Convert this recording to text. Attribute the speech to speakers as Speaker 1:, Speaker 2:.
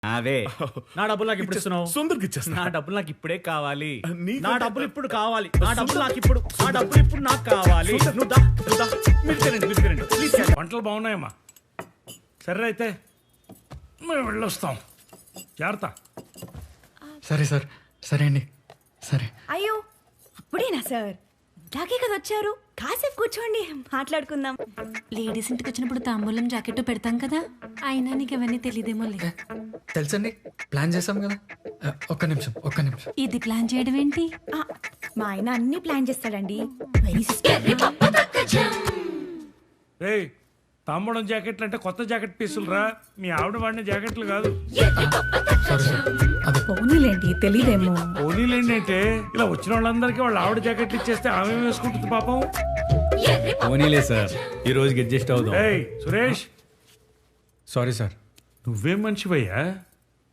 Speaker 1: అవే నా డబ్బులు నాకు ఇప్పుడు ఇస్తున్నావు.
Speaker 2: సుందర్కి ఇచ్చేస్తా.
Speaker 1: నా డబ్బులు నాకు ఇప్పుడే కావాలి.
Speaker 2: నీకంటే-
Speaker 1: నా డబ్బులు ఇప్పుడు కావాలి. నా డబ్బులు నాకు ఇప్పుడు నాకు కావాలి. నువ్వు దా, నువ్వు దా. మీరు తినండి. ప్లీజ్
Speaker 3: వంటలు బాగున్నాయమ్మా. సరే అయితే మేము వెళ్ళొస్తాం. జాగ్రత్త.
Speaker 4: సరే సార్, సరే అండి, సరే.
Speaker 5: అయ్యో అప్పుడేనా సార్? ఇందాకే కదా వచ్చారు, కాసేపు కూర్చోండి మాట్లాడుకుందాం.
Speaker 6: లేడీస్ ఇంటికి వచ్చినప్పుడు తాంబూలం జాకెట్ పెడతాం కదా, అయినా నీకు అవన్నీ తెలియదేమో.
Speaker 4: తెలుసండి, ప్లాన్ చేసాం కదా. ఒక్క నిమిషం.
Speaker 6: ఇది ప్లాన్ చేయడం ఏంటి?
Speaker 5: ఆ, మా ఆయన అన్ని ప్లాన్ చేస్తాడండి. వెరీ
Speaker 3: రేయ్, తాంబూలం జాకెట్లు అంటే కొత్త జాకెట్ పీసులు రా. మీ ఆవిడ వాడిన జాకెట్లు కాదు.
Speaker 4: సారీ సార్, అదే
Speaker 5: పోనీలేండి, తెలీదేమో.
Speaker 3: పోనీలేండి అంటే ఇలా వచ్చిన వాళ్ళందరికీ వాళ్ళ ఆవిడ జాకెట్లు ఇచ్చేస్తే ఆమె వేసుకుంటుంది పాపం.
Speaker 1: పోనీలే సార్, ఈ రోజుకి అడ్జస్ట్ అవుదాం.
Speaker 3: ఏయ్ సురేష్,
Speaker 4: సారీ సార్.
Speaker 3: నువ్వేం మనిషివయ్యా?